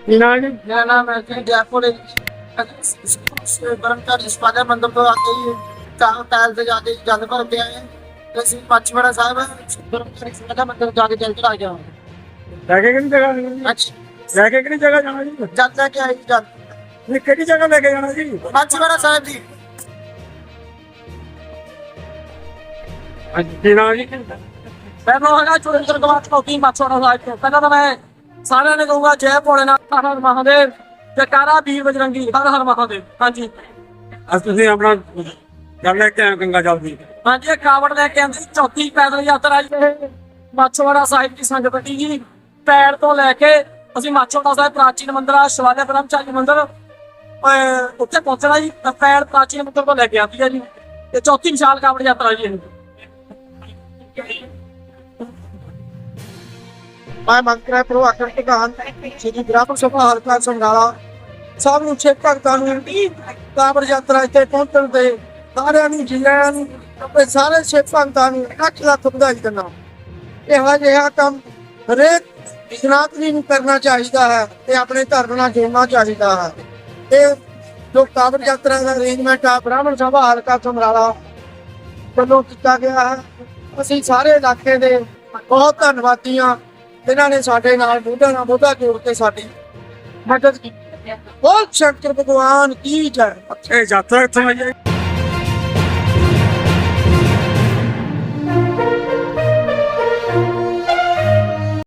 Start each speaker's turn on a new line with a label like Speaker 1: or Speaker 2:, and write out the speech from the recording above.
Speaker 1: ਨਾ ਜੀ
Speaker 2: मेरा नाम है जयपुर ब्रह्मचारी शिवालय मंदिर तो आके ही टाइल से जाके जल भर के आए हैं पचमढ़ा साहब ब्रह्मचारी शिवालय मंदिर जाके जल चढ़ा गया
Speaker 1: ਲੈ ਕੇ ਕਿਹੜੀ ਜਗ੍ਹਾ ਜਾਣਾ ਜੀ?
Speaker 2: अच्छा
Speaker 1: ਲੈ ਕੇ ਕਿਹੜੀ ਜਗ੍ਹਾ ਜਾਣਾ ਜੀ?
Speaker 2: जल लेके आई जल
Speaker 1: ਨਹੀਂ ਕਿਹੜੀ ਜਗ੍ਹਾ ਲੈ ਕੇ ਜਾਣਾ ਜੀ?
Speaker 2: पचमढ़ा साहब जी
Speaker 1: ਕੀ ਨਾਮ ਜੀ?
Speaker 2: ਪਹਿਲਾਂ ਹੈਗਾ ਚੁਰਿੰਦਰ ਕੁਮਾਰ ਚੌਕੀ ਮਾਛੋੜਾ ਸਾਹਿਬ ਤੋਂ ਪਹਿਲਾਂ ਤਾਂ ਮੈਂ ਸਾਰਿਆਂ ਨੇ ਕਹੂੰਗਾ ਜੈ ਭੋਲੇਨਾਥ ਹਰ ਹਰ ਮਹਾਦੇਵ ਜੈਕਾਰਾ ਵੀਰ ਬਜਰੰਗੀ ਹਰ ਹਰ ਮਹਾਦੇਵ ਹਾਂਜੀ
Speaker 1: ਅੱਜ ਤੁਸੀਂ ਆਪਣਾ ਗੱਲ ਲੈ ਕੇ ਆਏ ਹੋ ਗੰਗਾ ਜਲ ਦੀ।
Speaker 2: ਹਾਂਜੀ ਇਹ ਕਾਵੜ ਲੈ ਕੇ ਆਂਦੀ ਚੌਥੀ ਪੈਦਲ ਯਾਤਰਾ ਜੀ ਇਹ ਮਾਛੋੜਾ ਸਾਹਿਬ ਦੀ ਸੰਗਤ ਦੀ ਜੀ ਪੈੜ ਤੋਂ ਲੈ ਕੇ ਅਸੀਂ ਮਾਛੋੜਾ ਸਾਹਿਬ ਪ੍ਰਾਚੀਨ ਮੰਦਿਰ ਆ ਸ਼ਿਵਾਲਿਆ ਬ੍ਰਹਮਚਾਰੀ ਮੰਦਿਰ ਉੱਥੇ ਪਹੁੰਚਣਾ ਜੀ ਪੈੜ ਪ੍ਰਾਚੀਨ ਮੰਦਿਰ ਤੋਂ ਲੈ ਕੇ ਆਂਦੀ ਹੈ ਜੀ ਤੇ ਚੌਥੀ ਵਿਸ਼ਾਲ ਕਾਵੜ ਯਾਤਰਾ ਜੀ ਇਹ ਮੈਂ ਮੰਤਰਾ ਪ੍ਰੋ ਆਕਰ ਪ੍ਰਧਾਨ ਸ਼੍ਰੀ ਬ੍ਰਾਹਮਣ ਸਭਾ ਹਲਕਾ ਸੰਗਾਲਾ ਸਭ ਨੂੰ ਛੇ ਭਗਤਾਂ ਨੂੰ ਕਾਵੜ ਯਾਤਰਾ ਇੱਥੇ ਪਹੁੰਚਣ ਤੇ ਸਾਰਿਆਂ ਨੂੰ ਜੀਆਂ ਨੂੰ ਆਪਣੇ ਸਾਰੇ ਛੇ ਭਗਤਾਂ ਨੂੰ ਲੱਖ ਲੱਖ ਵਧਾਈ ਦਿੰਦਾ ਇਹੋ ਜਿਹਾ ਕੰਮ ਹਰੇਕ ਸਨਾਤਨੀ ਨੂੰ ਕਰਨਾ ਚਾਹੀਦਾ ਹੈ ਤੇ ਆਪਣੇ ਧਰਮ ਨਾਲ ਜੁੜਨਾ ਚਾਹੀਦਾ ਹੈ ਇਹ ਜੋ ਕਾਵੜ ਯਾਤਰਾ ਦਾ ਅਰੇਂਜਮੈਂਟ ਆ ਬ੍ਰਾਹਮਣ ਸਭਾ ਹਲਕਾ ਸਮਰਾਲਾ ਵੱਲੋਂ ਕੀਤਾ ਗਿਆ ਹੈ ਅਸੀਂ ਸਾਰੇ ਇਲਾਕੇ ਦੇ ਬਹੁਤ ਧੰਨਵਾਦੀ ਹਾਂ ਜਿਨ੍ਹਾਂ ਨੇ ਸਾਡੇ ਨਾਲ ਮੋਢਾ ਨਾਲ ਮੋਢਾ ਜੋੜ ਕੇ ਸਾਡੀ ਮਦਦ ਕੀਤੀ। ਬਹੁਤ ਸ਼ੰਕਰ ਭਗਵਾਨ ਕੀ ਜੈ।
Speaker 1: ਇਹ ਯਾਤਰਾ ਕਿੱਥੋਂ ਆਈ ਹੈ?